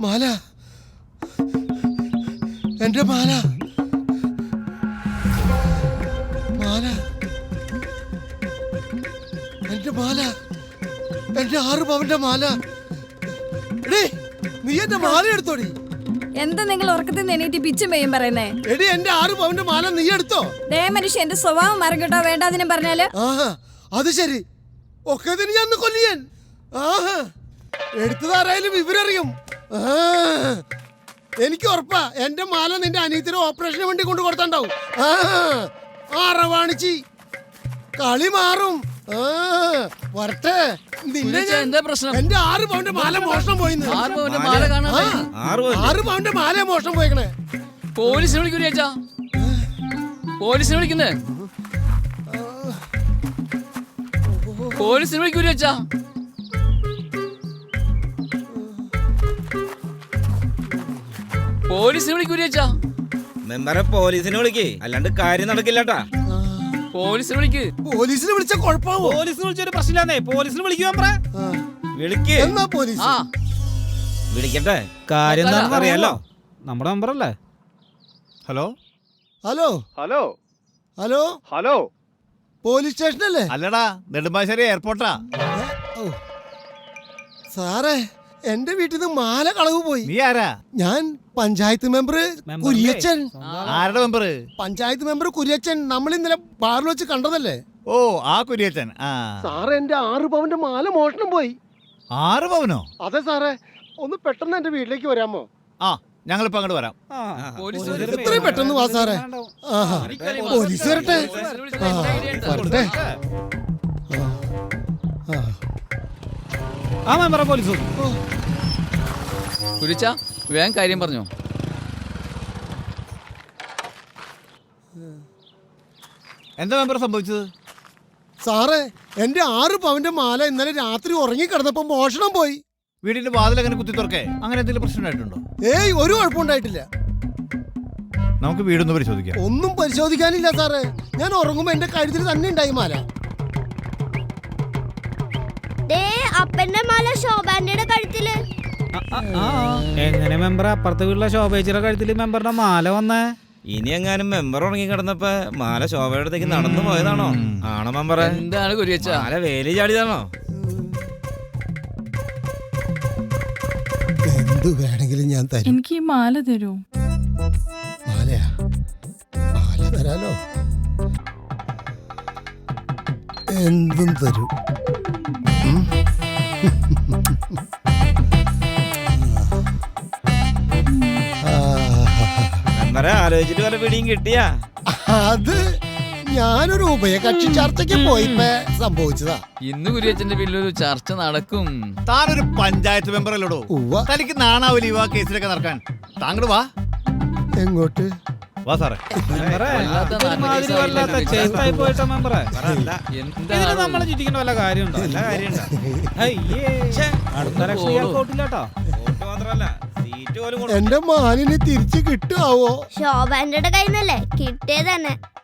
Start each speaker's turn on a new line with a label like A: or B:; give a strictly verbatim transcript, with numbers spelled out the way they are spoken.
A: മാല, എന്റെ മാല, മാല, എന്റെ മാല, എന്റെ ആറ് പവന്റെ മാല. എടീ, നീ എന്റെ മാല എടുത്തോടി.
B: എന്താ നിങ്ങൾ ഉറക്കത്തിൽ നിന്ന് എണീറ്റ് പിച്ചും പെയ്യും പറയുന്നേ?
A: എടി, എന്റെ ആറ് പവന്റെ മാല നീ എടുത്തോ?
B: ദേ മനുഷ്യ, എന്റെ സ്വഭാവം മരം കേട്ടോ, വേണ്ടാതിനും പറഞ്ഞാല്.
A: ആഹാ, അത് ശരി. ഒക്കെ ഞാൻ കൊല്ലിയൻ. ആഹാ, എടുത്തതാരായാലും വിവരറിയും. എനിക്ക് ഉറപ്പാ എന്റെ മാല നിന്റെ അനിയത്തിന് ഓപ്പറേഷന് വേണ്ടി കൊണ്ടു കൊടുത്തുണ്ടാവും. ആറവാണിച്ചി കളി മാറും. വരട്ടെ.
C: എന്താ പ്രശ്നം?
A: എന്റെ ആറ് പൗണ്ട് മാല മോഷണം പോയി. ആറ് പൗണ്ട് മാല മോഷണം പോയിക്കണേ.
C: പോലീസിനെ വിളിക്കൂല ചേച്ചാ, പോലീസിനെ വിളിക്കുന്നേ, പോലീസിനെ വിളിക്കൂല ചേച്ചാ. പോലീസിനെ വിളിക്കൂല ചേച്ചാ.
D: മെമ്പറെ പോലീസിനെ വിളിക്ക്, അല്ലാണ്ട് കാര്യം നടക്കില്ലട്ടാ.
C: പോലീസിനെ വിളിക്ക്.
A: പോലീസിനെ വിളിച്ച കുഴപ്പമാവോ?
D: പോലീസിനെ വിളിച്ചൊരു പ്രശ്നമില്ലാന്നേ. പോലീസിനെ വിളിക്കുക വിളിക്ക്.
A: എന്നാ പോലീസ്
C: ആ
D: വിളിക്കട്ടെ, കാര്യം എന്താണെന്ന് അറിയാലോ.
E: നമ്മുടെ നമ്പറല്ലേ?
A: Hello hello
F: hello
A: hello
F: hello
A: police സ്റ്റേഷനല്ലേ?
F: അല്ലടാ, നെടുമ്പാശ്ശേരി എയർപോർട്ടാ.
A: സാറേ, എന്റെ വീട്ടിൽ നിന്ന് മാല കളവ് പോയി.
F: നീ ആരാ?
A: ഞാൻ പഞ്ചായത്ത് മെമ്പർ കുര്യച്ചൻ.
F: ആരുടെ മെമ്പർ?
A: പഞ്ചായത്ത് മെമ്പർ കുര്യച്ചൻ. നമ്മൾ ഇന്നലെ ബാറിൽ വെച്ച് കണ്ടതല്ലേ?
F: ഓ, ആ കുര്യച്ചൻ. ആ
A: സാറേ, എന്റെ ആറ് പവന്റെ മാല മോഷണം പോയി.
F: ആറ് പവനോ?
A: അതെ സാറേ, ഒന്ന് പെട്ടെന്ന് എന്റെ വീട്ടിലേക്ക് വരാമോ?
F: ആ, ഞങ്ങളിപ്പോ അങ്ങോട്ട് വരാം.
A: എത്രയും പെട്ടെന്ന് വാ സാറേ. ആഹാ, പോലീസ് വരട്ടെ. ആ, വരട്ടെ. ആ,
E: ആ മെമ്പറെ പോലീസ്
C: കുരിച്ച വേഗം കാര്യം പറഞ്ഞോ.
F: എന്താ മെമ്പർ സംഭവിച്ചത്?
A: സാറേ, എന്റെ ആറ് പവന്റെ മാല ഇന്നലെ രാത്രി ഉറങ്ങി കിടന്നപ്പോ മോഷണം പോയി.
F: വീടിന്റെ വാതിൽ അങ്ങനെ കുത്തി തുറക്കേ, അങ്ങനെ എന്തെങ്കിലും പ്രശ്നം ഉണ്ടായിട്ടുണ്ടോ?
A: ഏയ്, ഒരു കുഴപ്പമുണ്ടായിട്ടില്ല.
F: നമുക്ക് വീടൊന്ന് പരിശോധിക്കാം.
A: ഒന്നും പരിശോധിക്കാനില്ല സാറേ. ഞാൻ ഉറങ്ങുമ്പോ എന്റെ കഴുത്തിൽ തന്നെ ഉണ്ടായി മാല.
G: അപ്പന്റെ മാല ശോഭാന്റെ കഴുത്തില്.
E: എങ്ങനെ മെമ്പർ അപ്പുറത്തെ വീട്ടിലെ ശോഭേച്ചിയുടെ കഴുത്തിൽ മെമ്പറുടെ മാല വന്നേ?
D: ഇനി എങ്ങാനും മെമ്പർ ഉറങ്ങി കിടന്നപ്പോ മാല ശോഭയുടെ അടുത്തേക്ക് നടന്നു പോയതാണോ? ആണോ മെമ്പറെ?
C: എന്താണ് കുരിച്ച?
D: മാല വേലി ചാടിയതാണോ?
A: എന്ത് വേണമെങ്കിലും ഞാൻ തരും.
B: എനിക്ക് ഈ മാല തരൂ.
A: മാലയാ? മാല തരാലോ, എന്തും തരൂ.
D: മെമ്പറെ ആലോചിച്ചിട്ട് വല്ല പിടിയും കിട്ടിയാ?
A: അത് ഞാനൊരു ഉഭയകക്ഷി ചർച്ചയ്ക്ക് പോയിപ്പോ സംഭവിച്ചതാ.
C: ഇന്ന് കുര്യച്ചന്റെ വീട്ടിലൊരു ചർച്ച നടക്കും.
F: താനൊരു പഞ്ചായത്ത് മെമ്പർ അല്ലോടോ?
A: ഉവ്വ.
F: തനിക്ക് നാണാവലി ആ കേസിലൊക്കെ നടക്കാൻ. താങ്കൾ വാ.
A: എങ്ങോട്ട്?
F: വാ സാറേ.
E: മെമ്പറെ ഇതിന് നമ്മളെ ചുറ്റിക്കേണ്ട വല്ല കാര്യമുണ്ടോ?
D: നല്ല കാര്യമുണ്ടോ?
E: അടുത്ത ലക്ഷം ഇയാൾക്കോട്ടില്ലാട്ടോ.
D: വോട്ട് മാത്രല്ല, സീറ്റ് പോലും
A: എന്റെ മാലിന് തിരിച്ചു കിട്ടുവോ?
G: ശോഭാന്റെ കയ്യിൽ നിന്നല്ലേ കിട്ടിയത് തന്നെ.